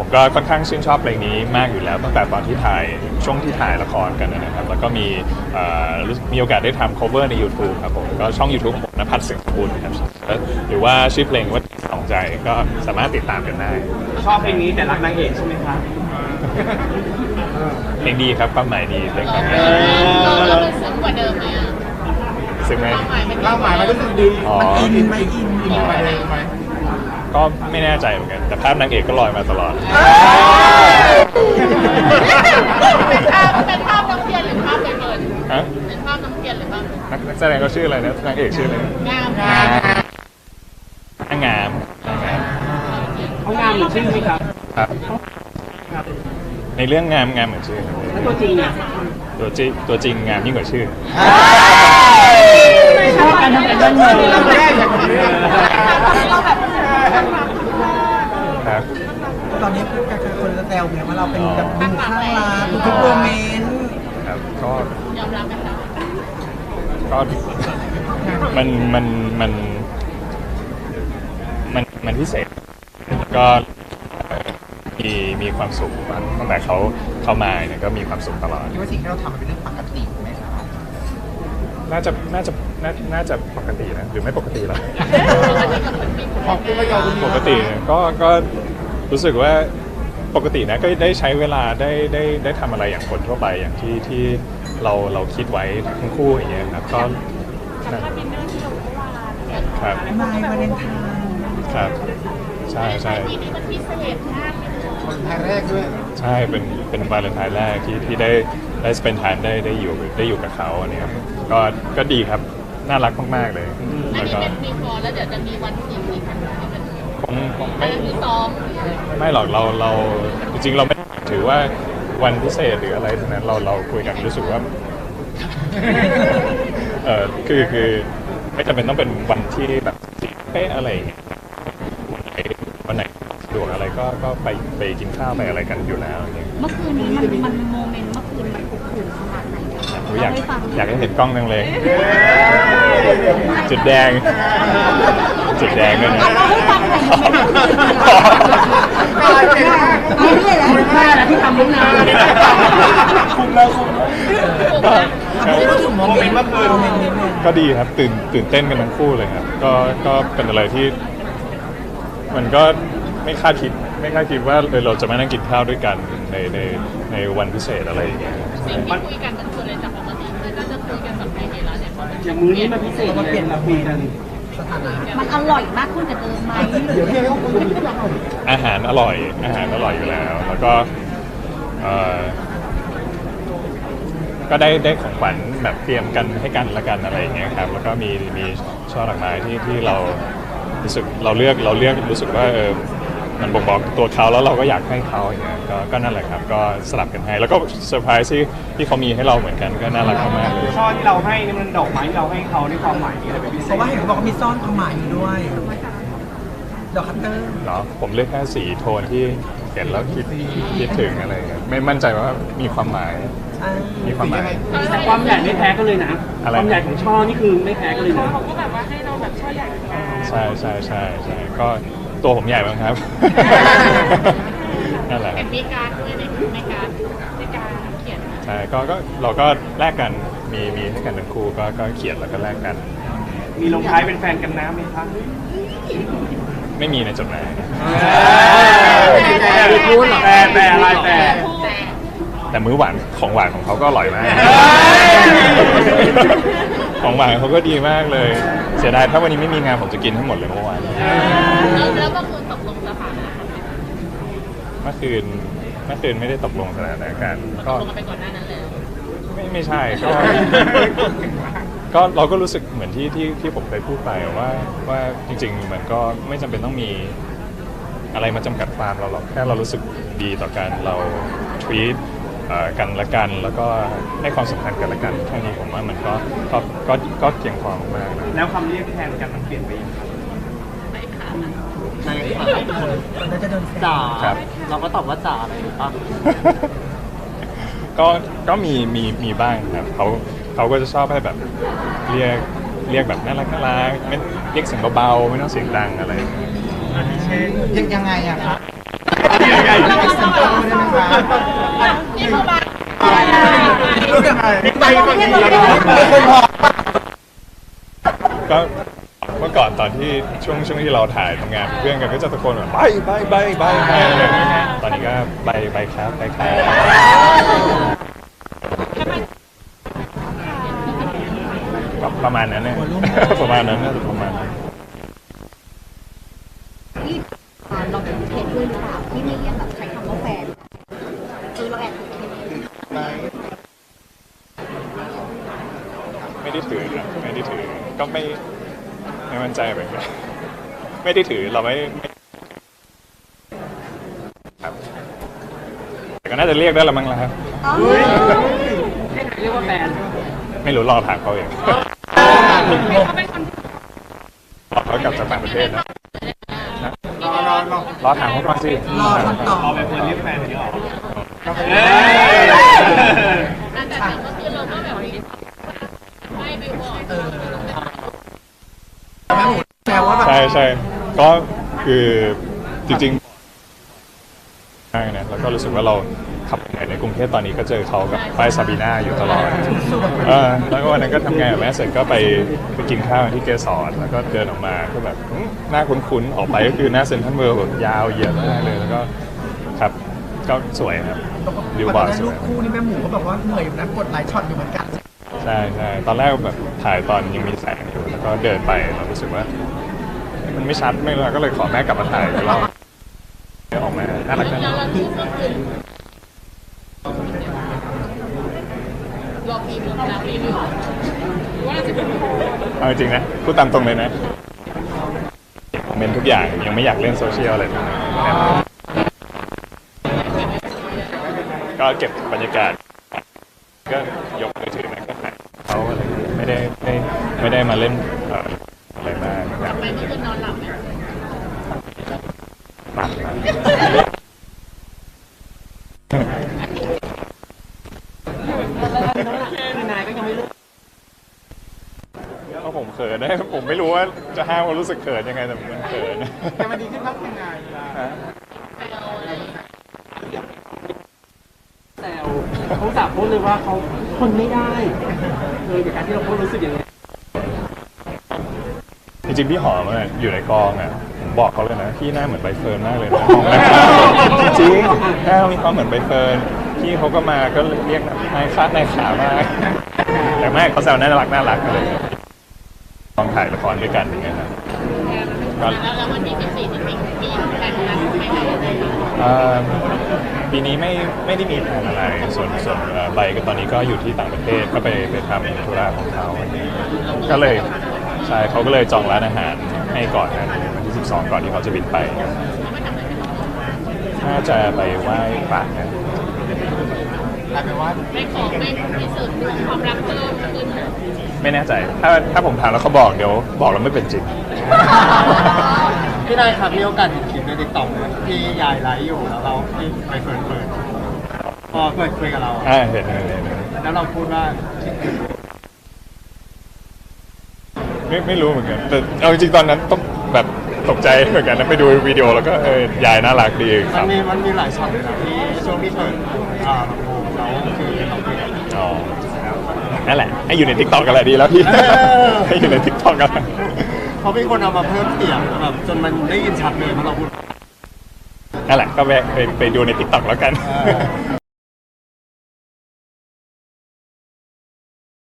ผมก็ค่อนข้างชื่นชอบเพลงนี้มากอยู่แล้วตั้งแต่ตอนที่ถ่ายช่วงที่ถ่ายละครกันนะครับแล้วก็มีโอกาสได้ทำ cover ใน YouTube ครับผมก็ช่อง YouTube ของผมณภัทร เสียงสกุลครับหรือว่าชื่อเพลงว่าสองใจก็สามารถติดตามกันได้ชอบเพลงนี้แต่รักนางเอกใช่ไหมครับเพลงดีครับความหมายดีเพลงครับเราซึ้งกว่าเดิมไหมอ่ะซึ้งไหมความหมายมันรู้สึกดีมันอินไหมอินกว่าเดิมไหมก็ไม่แน่ใจเหมือนกันแต่ภาพนางเอกก็ลอยมาตลอดเป็นภาพน้ำเทียนหรือภาพใบเฟิร์นฮะเป็นภาพน้ำเทียนหรือภาพนักแสดงเขาชื่ออะไรนะนางเอกชื่ออะไรงามงามเขางามเหมือนชื่อไหมครับครับในเรื่องงามเหมือนชื่อแล้วตัวจริงอ่ะตัวจริงงามยิ่งกว่าชื่อชอบการทำการเงินครับตอนนี้คนจะแซวเนี่ยว่าเราเป็นแบบดูข้างรักทุกโมเมนต์ครับก็ยอมรับไหมคะก็มันพิเศษก็มีความสุขตั้งแต่เขามาเนี่ยก็มีความสุขตลอดว่าสิ่งที่เราทำมันเป็นเรื่องปกติไหมครับน่าจะปกตินะหรือไม่ปกติหรอปกติก็รู้สึกว่าปกตินะก็ได้ใช้เวลาได้ทำอะไรอย่างคนทั่วไปอย่างที่เราคิดไว้ทั้งคู่อย่างเงี้ยครับก็ครับไม่วาเลนไทน์ครับใช่ปีนี้มันพิเศษมากวันไทยแรกด้วยใช่เป็นวาเลนไทน์แรกที่ได้ spend time ได้อยู่กับเขาเนี่ยก็ดีครับน่ารักมากๆเลยแล้วก็มีฟอร์แล้วเดี๋ยวจะมีวันที่อีกคงไม่ซ้อมไม่หรอกเราจริงๆเราไม่ถือว่าวันพิเศษหรืออะไรทั้งนั้นเราคุยกันรู้สึกว่าคือไม่จำเป็นต้องเป็นวันที่แบบเป๊ะอะไรอย่างเงี้ยวันไหนสะดวกอะไรก็ไปกินข้าวไปอะไรกันอยู่แล้วอย่างเงี้ยเมื่อคืนนี้มันโมเมนต์เมื่อคืนมันอบอุ่นขนาดไหนอยากให้เห็นกล้องจังเลยจุดแดงด้วยนะคุณแม่นะที่ทำลูกนาคุมโมเมนต์เมื่อคืนก็ดีครับตื่นเต้นกันทั้งคู่เลยครับก็เป็นอะไรที่มันก็ไม่คาดคิดว่าเราจะมานั่งกินข้าวด้วยกันในวันพิเศษอะไรอย่างเงี้ยสิ่งที่คุยกันก็คือเลยจากปกติคือก็จะคุยกันแบบในร้านเนี่ยอย่างมื้อนี้มันพิเศษมาเปลี่ยนมาคุยกันมันอร่อยมากขึ้นกว่าเดิมไหมอาหารอร่อยอยู่แล้วแล้วก็ก็ได้ของขวัญแบบเตรียมกันให้กันละกันอะไรอย่างเงี้ยครับแล้วก็มีช่อดอกไม้ที่เรารู้สึกเราเลือกรู้สึกว่ามันบ่งบอกตัวเขาแล้วเราก็อยากให้เขาอย่างเงี้ยก็นั่นแหละครับก็สลับกันให้แล้วก็เซอร์ไพรส์ที่เขามีให้เราเหมือนกันก็น่ารักมากเลยช่อที่เราให้นี่มันดอกไม้ที่เราให้เขาในความหมายอะไรเป็นพิเศษเพราะว่าเห็นเขาบอกว่ามีซ่อนความหมายอยู่ด้วยดอกคัตเตอร์เนาะผมเลือกแค่สีโทนที่เห็นแล้วคิดถึงอะไรเงี้ยไม่มั่นใจว่ามีความหมายแต่ความใหญ่ไม่แพ้กันเลยนะความใหญ่ของช่อนี่คือไม่แพ้กันเลยนะเขาก็แบบว่าให้เราแบบช่อใหญ่ใช่ก็ตัวผมใหญ่บ้างครับนั่นแหละมีการด้วยในการเขียนใช่ก็เราก็แลกกันมีให้กันทั้งคู่ก็เขียนแล้วก็แลกกันมีลงท้ายเป็นแฟนกันนะไหมครับไม่มีในจดหมายแต่มื้อหวานของหวานของเขาก็อร่อยมากของหวานเขาก็ดีมากเลยเสียดายถ้าวันนี้ไม่มีงานผมจะกินทั้งหมดเลยเมื่อวานแล้วก็คือตกลงสถานะเมื่อคืนไม่ได้ตกลงสถานะกันก็ไปก่อนหน้านั้นเลยไม่ใช่ก็เราก็รู้สึกเหมือนที่ผมเคยพูดไปว่าจริงๆมันก็ไม่จำเป็นต้องมีอะไรมาจำกัดความเราหรอกแค่เรารู้สึกดีต่อกันเราtreatกันละกันแล้วก็ให้ความสำคัญกันละกันแค่นี้ผมว่ามันก็เพียงพอมากๆแล้วคำเรียกแทนกันมันเปลี่ยนไปยังจ๋าเราก็ตอบว่าจ๋าอะไรหรือเปล่าก็มีบ้างครับเขาก็จะชอบให้แบบเรียกแบบน่ารักไม่เรียกเสียงเบาๆไม่ต้องเสียงดังอะไรยังไงอะครับใหญ่เป็นเซ็นเตอร์ได้ไหมคะนี่คือบ้านรู้ยังไงไปบางทีเรามีคนบอกก็เมื่อก่อนตอนที่ช่วงที่เราถ่ายทำงานเพื่อนกันก็จะตะโกนแบบใบตอนนี้ก็ใบครับใบครับประมาณนั้นเนี่ย ประมาณนั้นน่าจะประมาณนั้นที่เราถูกเทสด้วยหรือเปล่าที่ไม่เรียกแบบใช้คำว่าแฟนเราแอบถูกเทสไม่ได้ถือครับไม่ได้ถือก็ไม่มั่นใจเหมือนกันไม่ได้ถือเราไม่ครับแต่ก็น่าจะเรียกได้ละมั้งละครับเรียกว่าแฟนไม่รู้รอถามเขาเองเขาเป็นคนรอเขากลับจากต่างประเทศนะรอถามเขาก่อนสิรอคำตอบเอาไปเพื่อนเรียกแฟนนี้หรอแต่ก็คือเราก็แบบไม่ไปบอกแม่หมูแซวว่าแบบใช่ก็คือจริงๆใช่นะแล้วก็รู้สึกว่าเราขับไปไหนในกรุงเทพตอนนี้ก็เจอเขากับป้ายซาบีนาอยู่ตลอดแล้วก็วันนั้นก็ทำงานกับแม่เสร็จก็ไปกินข้าวที่เกสรแล้วก็เดินออกมาก็แบบหน้าคุ้นๆออกไปก็คือหน้าเซ็นทรัลเวิลด์แบบยาวเหยียดมากเลยแล้วก็ครับก็สวยครับวิวบาร์สลูวกยคู่นี่แม่หมูก็แบบว่าเหนื่อยอยู่นะกดหลายช็อตอยู่เหมือนกันใช่ตอนแรกแบบถ่ายตอนยังมีแสงอยู่แล้วก็เดินไปเรารู้สึกว่ามันไม่ชัดไม่รู้ก็เลยขอแม่กลับมาถ่ายอีกรอบออกมาน่ารักนะแล้วเราที่ก็คือรอปีนึงนะปีนึงว่าจะเป็นเอาจริงๆนะพูดตามตรงเลยนะคอมเมนต์ทุกอย่างยังไม่อยากเล่นโซเชียลอะไรทั้งนั้นก็เก็บบรรยากาศก็ยกมือถือนะก็ถ่ายเขาอะไรไม่ได้มาเล่นอะไรมากไปเมื่อคืนนอนหลับไหมหนักนะคือนายก็ยังไม่เลิกเพราะผมเขินนะผมไม่รู้ว่าจะห้ามความรู้สึกเขินยังไงแต่มันเขินแต่มันดีขึ้นมากยังไงแซวเขาจับพูดเลยว่าเขาทนไม่ได้จากการที่เราพูดรู้สึกอย่างนี้จริงๆพี่หอมอะอยู่ในกองอ่ะผมบอกเขาเลยนะพี่หน้าเหมือนใบเฟิร์นมากเลยนะจริงหน้ามีความเหมือนใบเฟิร์นพี่เขาก็มาก็เรียกนายขามากแต่ไม่เขาแซวน่ารักอะไรลองถ่ายละครด้วยกันอย่างเงี้ยครับก็แล้ววันที่14นี่มีแต่งงานไม่ไหนอะไรปีนี้ไม่ได้มีแผนอะไรส่วนใบก็ตอนนี้ก็อยู่ที่ต่างประเทศก็ไปทำธุระของเขาก็เลยใช่เขาก็เลยจองร้านอาหารให้ก่อนนะวันที่12ก่อนที่เขาจะบินไปน่าจะไปไหว้พระนะกลายเป็นว่าไม่ขอไม่พิสูจน์ความรักเพิ่มขึ้นไม่แน่ใจถ้าผมถามแล้วเขาบอกเดี๋ยวบอกแล้วไม่เป็นจริงพี่นายครับมีโอกาสเห็นคลิปในติ๊กต็อกที่ยายไลฟ์อยู่แล้วเราที่ไปเปิดพอเปิดคุยกับเราอะเห็นแล้วเราพูดว่าไม่รู้เหมือนกันแต่เอาจริงๆตอนนั้นต้องแบบตกใจเหมือนกันนะไปดูวิดีโอแล้วก็ยายน่ารักดีคมัรันบมีหลายช็อตเลยนะที่ช่วงที่เปิดลำโพงแล้วคือเราคุยกันอ๋อนั่นแหละให้อยู่ในทิกตอกกันแหละดีแล้วพี่เออให้อยู่ในทิกตอกกันเพราะมีคนเอามาเพิ่มเสียงแบบจนมันได้ยินชัดเลยเพราะเราพูดนั่นแหละก็แวะไปดูในทิกตอกแล้วกัน